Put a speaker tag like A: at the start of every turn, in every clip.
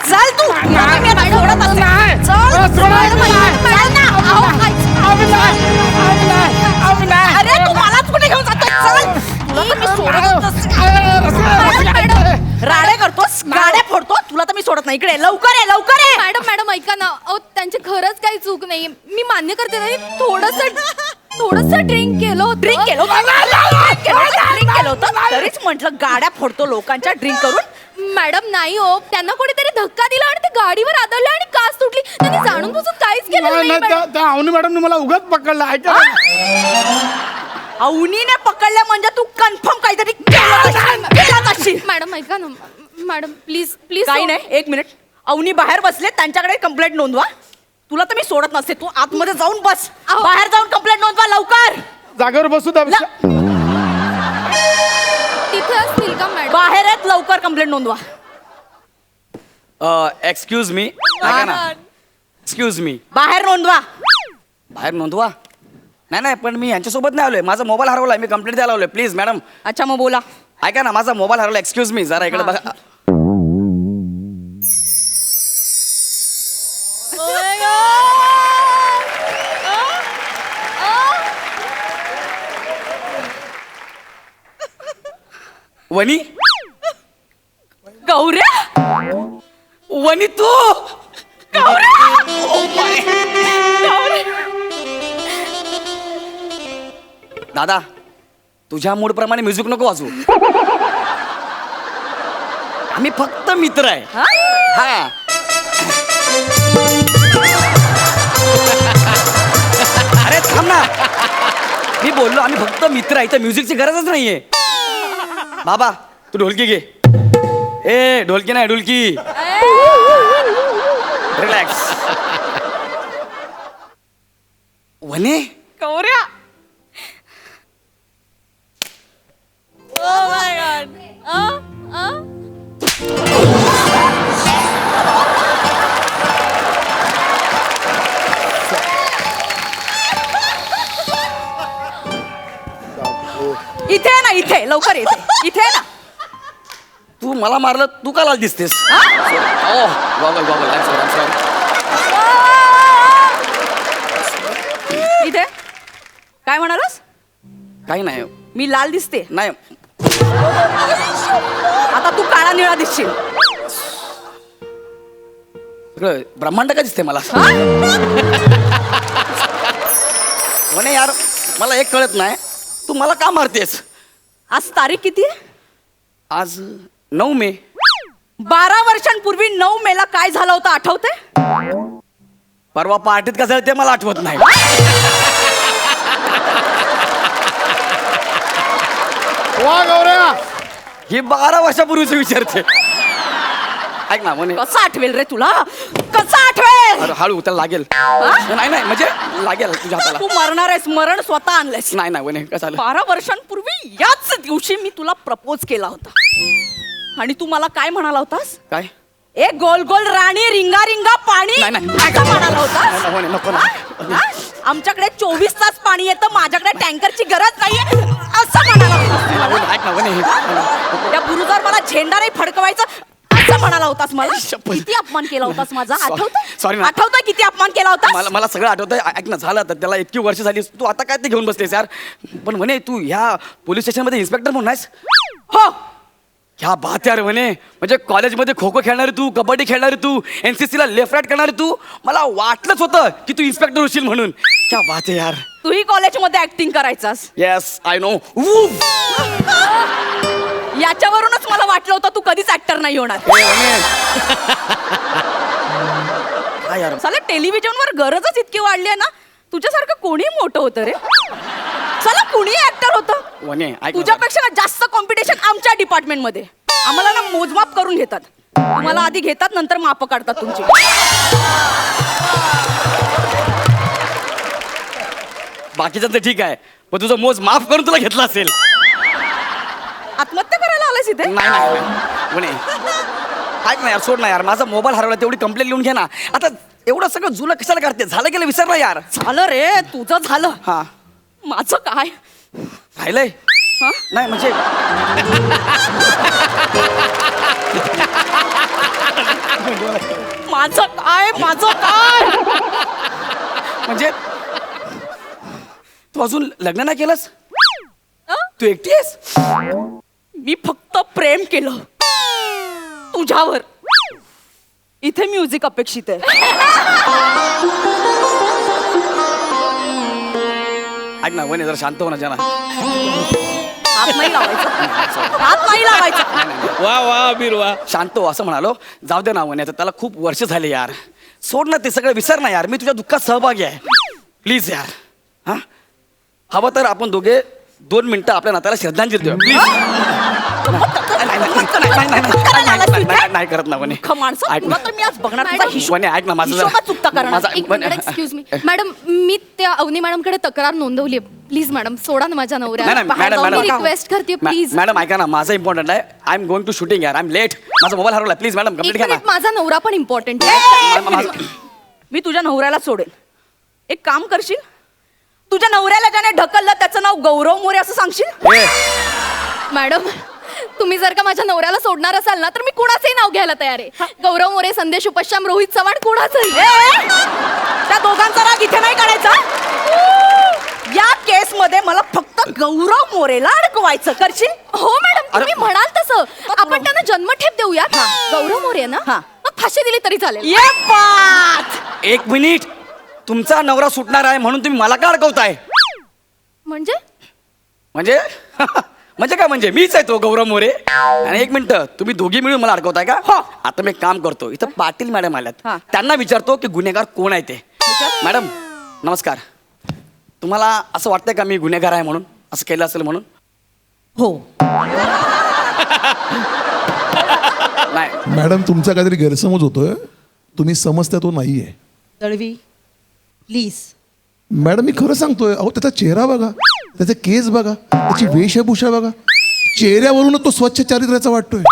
A: चल तू. मी आता सोडत असेल. चल ना. अरे तू मलाच कुठे घेऊन जातोय? चल. तुला तर मी सोडतच नसते. राडे करतोस, गाड्या फोडतो. तुला तर मी सोडत नाही. इकडे लवकर ये, लवकर ये.
B: मॅडम ऐका ना. अहो त्यांची खरंच काही चूक नाही. मी मान्य करते ना, थोडस ड्रिंक केलं होतं.
A: ड्रिंक केलं होतं. तरीच म्हटलं गाड्या फोडतो लोकांच्या ड्रिंक करून.
B: मॅडम नाही हो, त्यांना कोणीतरी धक्का दिला आणि ते गाडीवर आदळले आणि काच तुटली. त्यांनी जाणून बुजून काहीच केलं नाही मॅडम.
C: त्या अवनी मॅडमने मला उगाच पकडलं. ऐका
A: अवनीने पकडलं म्हणजे तू कन्फर्म काहीतरी केलं असशील.
B: मॅडम ऐका ना. Madam please please.
A: काही नाही, एक मिनिट. अवनी बाहेर बसले, त्यांच्याकडे कंप्लेंट नोंदवा. तुला तर मी सोडत नसते. तू आतमध्ये जाऊन बस. बाहेर जाऊन कंप्लेंट नोंदवा लवकर.
C: जागेवर बसू द्या.
B: तिथे असतील का मॅडम?
A: बाहेर आहेत, लवकर कंप्लेंट नोंदवा.
D: Excuse me. ऐका ना. Excuse me.
A: बाहेर नोंदवा.
D: बाहेर नोंदवा. नाही पण मी यांच्यासोबत नाही आलोय. माझा मोबाईल हरवलाय. मी कंप्लेंट द्यायला आलोय. Please madam.
A: अच्छा मग बोला.
D: ऐका ना, माझा मोबाईल हरवला. एक्सक्यूज मी, जरा इकडे बघा. वनी.
A: गौऱ्या.
D: वनी तू. दादा, तुझ्या मूड प्रमाणे म्युझिक नको वाजवू. आम्ही फक्त मित्र आहे. हा. अरे थांब ना. मी बोललो आम्ही फक्त मित्र आहे. तर म्युझिकची गरजच नाहीये. बाबा तू ढोलकी घे. ए ढोलकी नाही, ढोलकी. रिलॅक्स. वने.
A: गौऱ्या. इथे ना, इथे लवकर येते. इथे ना.
D: तू मला मारलं, तू का लाल दिसतेस? Goggle goggle.
A: इथे काय म्हणालास?
D: काही नाही.
A: मी लाल दिसते.
D: नाही.
A: आता तू काळा निळा दिसशील.
D: सगळं ब्रह्मांड का दिसते मला? म्हणे यार, मला एक कळत नाही, तू मला का मारतेस?
A: आज तारीख किती आहे?
D: आज 9 मे.
A: 12 वर्षांपूर्वी 9 मेला काय झालं होतं आठवतंय?
D: परवा पार्टीत का झालं ते मला आठवत नाही.
C: वा गौऱ्या.
D: ही 12 वर्षापूर्वीच विचारते. ऐक ना म्हणे.
A: कसं आठवेल रे तुला? कसं आठवेल?
D: अरे हळू त्याला लागेल. नाही म्हणजे लागेल तुझ्या हाताला.
A: तू मरणार आहेस. मरण स्वतः आणलंयस.
D: नाही म्हणे कसं झालं.
A: 12 वर्षांपूर्वी याच दिवशी मी तुला प्रपोज केला होता. आणि तू मला काय म्हणाला होतास?
D: काय?
A: ए गोल गोल राणी रिंगा रिंगा पाणी.
D: नाही.
A: असं म्हणाला होतास?
D: नको
A: हा? आमच्याकडे 24 तास पाणी येतं, माझ्याकडे टँकरची गरज नाहीये असं म्हणाला होतास.
D: ऐक ना म्हणे.
A: त्या बुरुजावर मला झेंडा नाही फडकवायचं असं म्हणाला होतास मला. किती अपमान केला होतास माझा?
D: Sorry.
A: आठवतोय किती अपमान केला होतास?
D: मला सगळं आठवतंय. ऐक ना, झालं तर त्याला इतकी वर्ष झाली. तू आता काय ते घेऊन बसलेस यार? पण म्हणे तू ह्या पोलीस स्टेशन मध्ये इन्स्पेक्टर म्हणून आहेस?
A: हो.
D: क्या बात यार म्हणे. म्हणजे कॉलेजमध्ये खो खो खेळणारी तू, कबड्डी खेळणारी तू, NCC ला लेफ्ट राईट करणारी तू. मला वाटलंच होतं की तू इन्स्पेक्टर होशील म्हणून. क्या बात आहे यार.
A: तूही कॉलेजमध्ये ऍक्टिंग करायचास?
D: Yes I know.
A: याच्यावरूनच मला वाटलं होतं तू कधीच ऍक्टर नाही होणार.
D: काय यार.
A: चला टेलिव्हिजनवर गरजच इतकी वाढली आहे ना. तुझ्यासारखं कोणी मोठं होतं रे. चला कुणी ऍक्टर होतं.
D: वने ऐक.
A: तुझ्यापेक्षा ना जास्त कॉम्पिटिशन आमच्या डिपार्टमेंट मध्ये. आम्हाला ना मोजमाप करून घेतात. तुम्हाला आधी घेतात, नंतर माप काढतात तुमची.
D: बाकीचं तर ठीक आहे, पण तुझं मोज माफ करून तुला घेतला असेल.
A: आत्महत्या करायला आलास इथे?
D: नाही म्हणे. ऐक ना यार, सोड ना यार. माझा मोबाईल हरवला, तेवढी कंप्लेंट लिहून घे ना. आता एवढं सगळं जुनं कशाला करते? झालं गेलं विसर ना यार.
A: झालं रे, तुझं झालं.
D: हा.
A: माझं काय
D: राहिलंय? नाही म्हणजे
A: माझं काय
D: म्हणजे तू अजून लग्न नाही केलंस?
A: अं?
D: तू एकटी आहेस?
A: मी फक्त प्रेम केलं तुझ्यावर. इथे म्युझिक अपेक्षित आहे.
D: ऐक ना वने जरा शांत हो ना जना.
A: हात नाही लावायचा.
C: वा वा अबीर वा.
D: शांत हो असं म्हणालो. जाऊ दे ना वने, आता त्याला खूप वर्ष झाले यार. सोड ना ते सगळं, विसर ना यार. मी तुझ्या दुःखात सहभागी आहे. प्लीज यार. हा हवं तर आपण दोघे 2 मिनिटं आपल्या नात्याला श्रद्धांजली देऊ प्लीज. नाही करत ना वने.
A: माणसं
D: ऐक
A: तुला
D: ना
A: तर मी आज बघणार तुझा
B: मॅडम,
A: हिशोब.
D: वने ऐक ना माझं
A: हिशोबात चुकता करणार.
D: माझा
B: एक मिनिट एक्सक्यूज मी मॅडम, मी त्या अवनी मॅडमकडे तक्रार नोंदवली आहे. प्लीज मॅडम सोडा ना माझ्या नवऱ्याला. मी रिक्वेस्ट करते प्लीज.
D: मॅडम ऐका ना, माझं इम्पॉर्टंट आहे. I am going to shooting यार. I am late. माझा मोबाईल हरवला. प्लीज मॅडम
B: एक
D: कंप्लीट घ्या ना.
B: मिनिट, माझा नवरा पण इम्पॉर्टंट
A: मी तुझ्या नवऱ्याला सोडेल. एक काम करशील, तुझ्या नवऱ्याला ज्याने ढकललं त्याचं नाव गौरव मोरे असं सांगशील.
B: मॅडम, तुम्ही जर का माझ्या नवऱ्याला सोडणार असाल ना, तर मी कुणाचंही नाव घ्यायला तयार आहे. गौरव मोरे, संदेश उपश्याम, रोहित चव्हाण, कुणाचंही.
A: त्या दोघांचा राग इथे नाही काढायचा. या केस मध्ये मला फक्त गौरव मोरेला अडकवायचं. करशील?
B: हो मॅडम, तुम्ही म्हणाल तसं. आपण त्यांना जन्मठेप देऊया. गौरव मोरे ना,
A: हा.
B: मग फाशी दिली तरी चालेल.
A: ये बात.
D: 1 मिनिट. तुमचा नवरा सुटणार आहे म्हणून तुम्ही मला का अडकवताय?
B: म्हणजे
D: म्हणजे म्हणजे काय? म्हणजे मीच आहे तो गौरव मोरे. आणि 1 मिनिट, तुम्ही दोघी मिळून मला अडकवताय का?
A: हो.
D: आता मी एक काम करतो. इथं पाटील मॅडम आल्यात.
A: हा.
D: त्यांना विचारतो की गुन्हेगार कोण आहे ते. मॅडम नमस्कार. तुम्हाला असं वाटतंय का मी गुन्हेगार आहे म्हणून, असं केलं असेल म्हणून?
A: हो.
D: नाही
E: मॅडम, तुमचा काहीतरी गैरसमज होतोय. तुम्ही समजता तो नाहीये.
A: दळवी प्लीज.
E: मॅडम मी खरं सांगतोय. अहो त्याचा चेहरा बघा, त्याचे केस बघा, त्याची वेशभूषा बघा. चेहऱ्यावरूनच तो स्वच्छ चारित्र्याचा वाटतोय.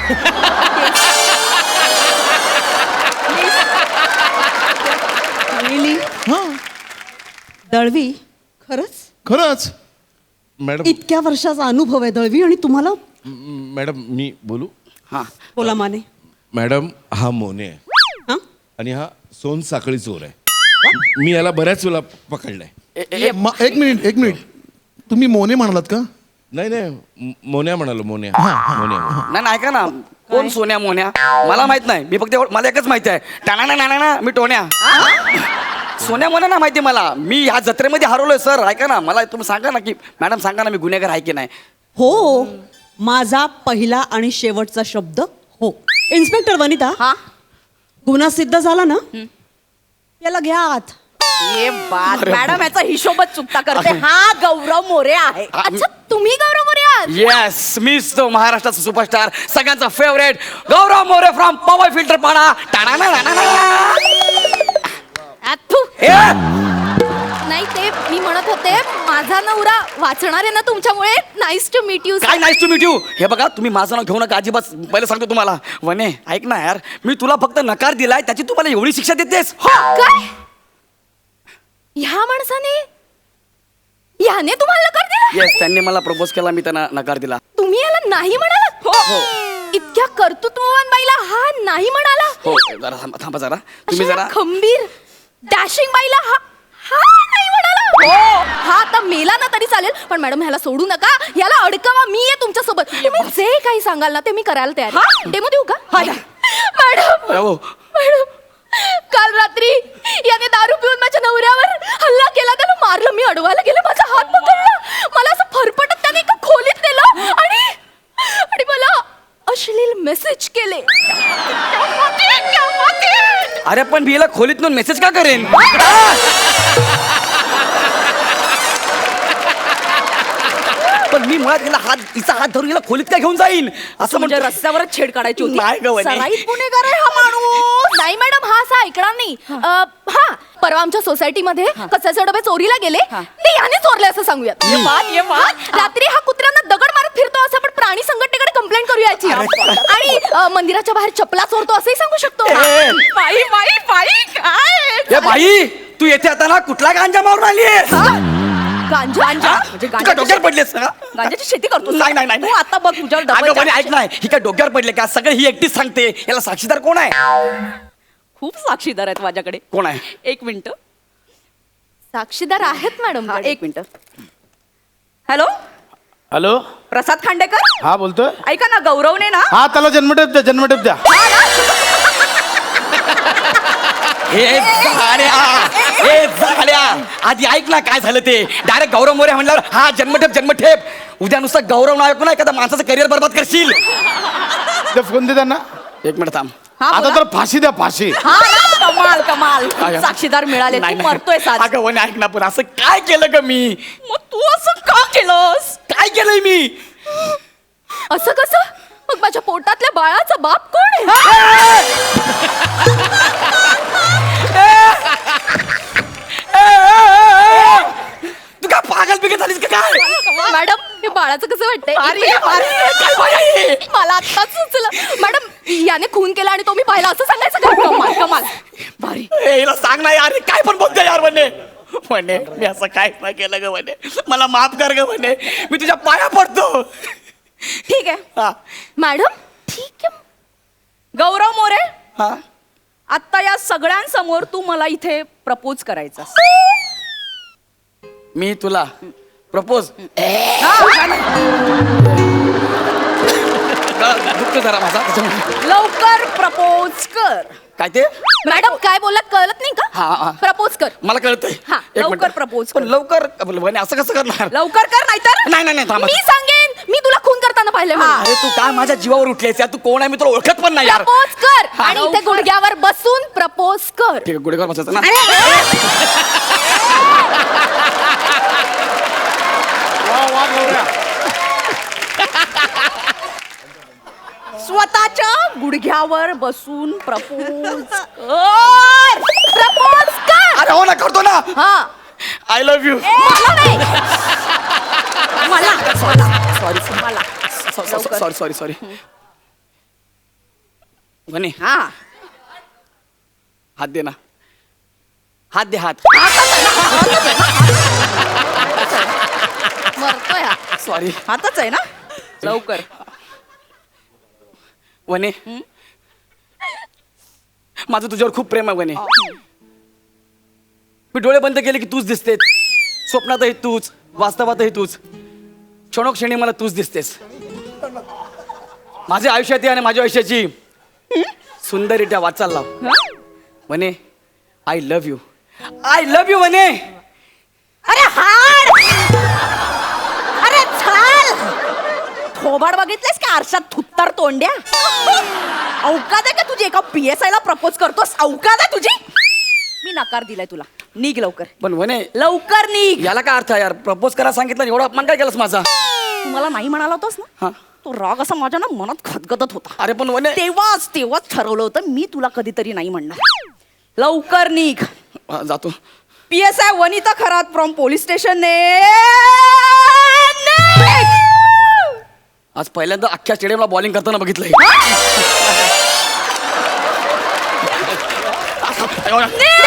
E: हा
F: दळवी, खरंच
C: मॅडम
F: इतक्या वर्षाचा अनुभव आहे दळवी, आणि तुम्हाला.
C: मॅडम मी बोलू?
D: हां
F: बोला माने.
C: मॅडम हा मोने आहे
F: हा?
C: आणि हा सोन साखळी चोर आहे. मी याला बऱ्याच वेळा पकडलाय.
E: एक मिनिट. तुम्ही मोने म्हणालात का?
C: नाही मोन्या म्हणालो. मोन्या मोन्या.
D: नाही ऐका ना, कोण सोन्या मोन्या मला माहित नाही. मी फक्त मला एकच माहिती आहे, टाणा मी टोन्या. सोन्या मोन्या ना माहिती मला. मी ह्या जत्रेमध्ये हरवलोय सर. ऐका ना, मला तुम्ही सांगा ना की मॅडम सांगा ना, मी गुन्हेगार आहे की नाही.
F: हो, माझा पहिला आणि शेवटचा शब्द हो. इन्स्पेक्टर वनिता,
A: हा
F: गुन्हा सिद्ध झाला ना, याला घ्या आत.
A: ये बात. मॅडम याचा हिशोबच चुकता करते. हा गौरव मोरे आहे.
B: अच्छा, तुम्ही गौरव मोरे आहात?
D: येस, मीच तो महाराष्ट्राचा सुपरस्टार, सगळ्यांचा favourite Gaurav More from power filter Pada.
B: नाही, ते मी म्हणत होते, माझा नवरा वाचणार आहे ना तुमच्यामुळे. Nice to meet you.
D: काय नाईस टू मीट यू. हे बघा, तुम्ही माझं नाव घेऊ नका अजिबात. पहिले सांगतो तुम्हाला. वने ऐक ना यार, मी तुला फक्त नकार दिलाय, त्याची तू मला एवढी शिक्षा देतेस?
B: काय? ह्या माणसाने, ह्याने तुम्हाला नकार दिला?
D: येस, त्यांनी मला प्रपोज केला, मी त्यांना नकार दिला.
B: तुम्ही याला नाही म्हणालात?
D: हो.
B: इतक्या कर्तृत्ववान बाईला हा नाही म्हणाला?
D: हो जरा थांबा जरा. तुम्ही
B: अशा
D: जरा
B: खंबीर डॅशिंग बाईला हा हा नाही म्हणाला? हो, हा आता मेला ना तरी चालेल, पण मॅडम ह्याला सोडू नका. याला अडकवा. मी आहे तुमच्या सोबत. तुम्ही जे काही सांगाल ना ते मी करायला तयार आहे. डेमो देऊ का? मॅडम
D: हो.
B: मॅडम, काल रात्री याने दारू पिऊन माझ्या नवऱ्यावर हल्ला केला. त्याला मारलं. मी अडवायला गेले, माझा हात पकडला. मला असं फरफटत त्याने एका खोलीत नेलं आणि मला अश्लील मेसेज केले.
D: अरे पण मी याला खोलीत मेसेज का करेन? पण मी मुळात हिचा हात धरून हिला खोलीत काय घेऊन जाईन असं
A: म्हणजे
D: म्हणजे
A: रस्त्यावरच छेड काढायची होती.
D: नाही गं वने.
A: सराईत गुन्हेगार आहे हा माणूस.
B: नाही मॅडम, हा असा ऐकणार नाही. हा, परवा आमच्या सोसायटीमध्ये कचऱ्याचे डबे चोरीला गेले. ते याने चोरले असं सांगूयात.
A: ये बात.
B: रात्री हा कुत्र्यांना दगड मारत फिरतो असं आपण प्राणी संघटनेकडे कंप्लेंट करूया याची. आणि मंदिराच्या बाहेर चपला चोरतो असंही सांगू शकतो.
A: बाई काय
D: ए बाई, तू येथे आता ना कुठला गांजा मारून आलीयस?
A: गांजा म्हणजे
D: तू काय डोक्यावर पडलेस ना
A: गांजाची शेती करतो
D: नाही, नाही, नाही.
A: तू आता बघ तुझ्यावर
D: अगं
A: डबल
D: म्हणे ऐक नाही ही काय डोक्यावर पडले का सगळं ही एकटीच सांगते याला साक्षीदार कोण आहे
A: खूप साक्षीदार आहेत माझ्याकडे.
D: कोण आहे?
A: एक मिनिट.
B: साक्षीदार आहेत मॅडम.
A: एक minute. Hello,
G: hello
A: Prasad Khandekar.
G: हा बोलतोय.
A: ऐका ना, गौरवने ना
G: हा त्याला जन्मठेप द्या जन्मठेप द्या.
D: हे झाल्या आधी ऐक ना काय झालं ते डायरेक्ट गौरव मोरे म्हणल्यावर हा जन्मठेप उद्या नुसतं गौरव नाव ऐकून एखादा माणसाचं करिअर बरबाद करशील.
G: ते फोन दे त्यांना.
D: एक मिनिट थांब.
A: हा,
G: आता
A: बोला.
G: तर फाशी द्या फाशी.
A: हा ना, कमाल कमाल.
D: काय?
A: साक्षीदार मिळाले.
D: नाही,
A: तू
D: नाही.
A: मरतोय साज.
D: अगं वने ऐक ना पण असं काय केलं ग मी
A: मग तू असं का केलंस?
D: काय केलंय मी
B: असं कसं? मग माझ्या पोटातल्या बाळाचा बाप कोण आहे?
D: तू काय पागल बिगल झालीस का काय
B: मॅडम हे बाळाचं कसं वाटतंय?
D: काय बाई?
B: मला आत्ताच सुचलं. मॅडम याने खून केला आणि तो मी पाहिला असं सांगायचं का?
A: कमाल कमाल. भारी.
D: ए, हिला सांग ना यार हे काय पण बोलतोय यार म्हणे मी असं काय नाही केलं ग म्हणे मला माफ कर ग म्हणे मी तुझ्या पाया पडतो.
A: ठीक आहे
D: हा
B: मॅडम ठीक आहे.
A: गौरव मोरे,
D: हा
A: आता या सगळ्यांसमोर तू मला इथे प्रपोज करायचा.
D: मी तुला प्रपोज दुखतो जरा माझा त्याच्यामुळे.
A: लवकर प्रपोज कर.
D: काय ते
B: मॅडम काय बोलला कळत नाही
D: हा, हा.
B: का? प्रपोज कर.
D: मला कळतंय
A: हा,
D: एक
A: लवकर
D: मिनिट.
A: propose
D: पण
A: कर.
D: लवकर म्हणे असं कसं करणार
A: लवकर कर नाहीतर
D: नाही नाही नाही थांबा.
B: मी सांगेन मी तुला खून करताना पाहिले.
D: अरे तू काय माझ्या जीवावर उठलेस यार तू कोण आहे मी तुला ओळखत पण नाही यार
B: प्रपोज कर
D: हा.
B: आणि इथे गुडघ्यावर बसून प्रपोज कर.
D: ठीक आहे गुढेगावर बसायचं ना
G: वा वा गौऱ्या.
A: स्वतःच्या गुडघ्यावर बसून प्रपोज
B: प्रपोज कर.
D: अरे हो ना करतो ना
B: हा
D: आय लव्ह यू
B: मला नाही.
A: मला
D: सॉरी
A: मला
D: सॉरी सॉरी सॉरी म्हणे
A: हा
D: हात दे ना हात दे हात
B: मरतोय हा.
D: सॉरी
A: हातच आहे ना. लवकर.
D: वने माझं तुझ्यावर खूप प्रेम आहे वने मी डोळे बंद केले की तूच दिसतेस स्वप्नातही तूच वास्तवातही तूच क्षणोक्षणी मला तूच दिसतेस माझ्या आयुष्यात आणि माझ्या आयुष्याची सुंदररित्या वाचाल लाव वने आय लव्ह यू वने
A: अरे हाड. अरे चाल. थोबाड बघितलेस का आरशात थुत्तर तोंड्या. अवकाद आहे का तुझी एका PSI ला प्रपोज करतोस? अवकाद आहे तुझी. मी नकार दिलाय तुला. निघ लवकर.
D: पण वने
A: लवकर निघ.
D: याला काय अर्थ आहे यार प्रपोज करा सांगितलं एवढा अपमान काय केलास माझा
A: तू मला नाही म्हणाला होतास ना.
D: हा
A: तो राग असा माझ्या ना मनात खदगदत होता.
D: अरे पण वने
A: तेव्हाच ठरवलं होतं मी तुला कधीतरी नाही म्हणणार. लवकर निघ.
D: हा, जातो
A: PSI Vanita Kharat from police station.
D: आज पहिल्यांदा अख्ख्या स्टेडियमला बॉलिंग करताना बघितलंय